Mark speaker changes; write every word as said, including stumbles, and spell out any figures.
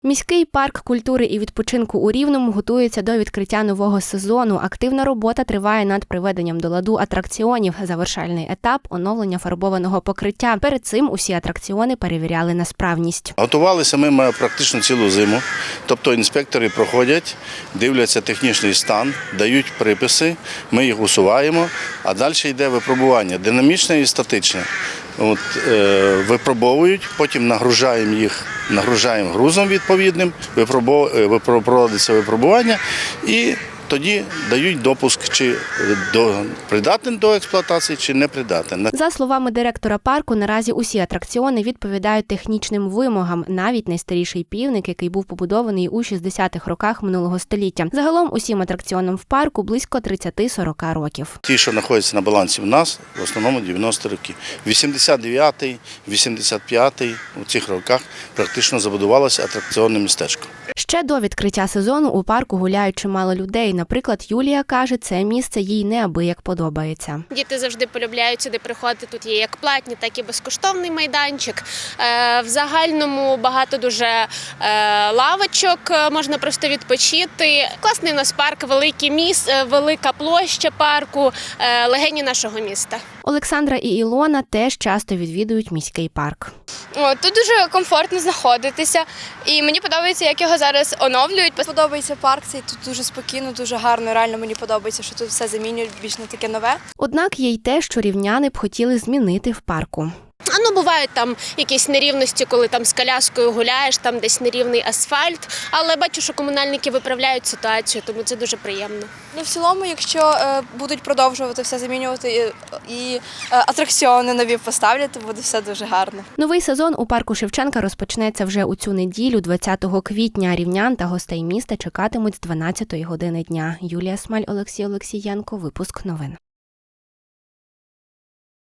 Speaker 1: Міський парк культури і відпочинку у Рівному готується до відкриття нового сезону. Активна робота триває над приведенням до ладу атракціонів. Завершальний етап – оновлення фарбованого покриття. Перед цим усі атракціони перевіряли на справність.
Speaker 2: Готувалися ми практично цілу зиму. Тобто інспектори проходять, дивляться технічний стан, дають приписи, ми їх усуваємо, а далі йде випробування динамічне і статичне. От, е, випробовують, потім нагружаємо їх, нагружаємо грузом відповідним, випробов... проводиться випробування і тоді дають допуск, чи до... придатен до експлуатації, чи не придатен.
Speaker 1: За словами директора парку, наразі усі атракціони відповідають технічним вимогам, навіть найстаріший півник, який був побудований у шістдесятих роках минулого століття. Загалом усім атракціонам в парку близько тридцять-сорок років.
Speaker 2: Ті, що знаходяться на балансі в нас, в основному дев'яності роки. вісімдесят дев'ятий, вісімдесят п'ятий у цих роках практично забудувалося атракціонне містечко.
Speaker 1: Ще до відкриття сезону у парку гуляють чимало людей. Наприклад, Юлія каже, це місце їй неабияк подобається.
Speaker 3: Діти завжди полюбляють сюди приходити. Тут є як платні, так і безкоштовний майданчик. В загальному багато дуже лавочок, можна просто відпочити. Класний у нас парк, великий міст, велика площа парку, легені нашого міста.
Speaker 1: Олександра і Ілона теж часто відвідують міський парк.
Speaker 4: О, тут дуже комфортно знаходитися, і мені подобається, як його зараз оновлюють.
Speaker 5: Подобається парк, цей тут дуже спокійно, дуже гарно. Реально мені подобається, що тут все замінюють більш на таке нове.
Speaker 1: Однак є й те, що рівняни б хотіли змінити в парку.
Speaker 3: А ну, бувають там якісь нерівності, коли там з коляскою гуляєш, там десь нерівний асфальт, але бачу, що комунальники виправляють ситуацію, тому це дуже приємно.
Speaker 5: Ну, в цілому, якщо е, будуть продовжувати все замінювати і, і е, атракціони нові поставлять, то буде все дуже гарно.
Speaker 1: Новий сезон у парку Шевченка розпочнеться вже у цю неділю, двадцятого квітня. Рівнян та гостей міста чекатимуть з дванадцятої години дня. Юлія Смаль, Олексій Олексієнко. Випуск новин.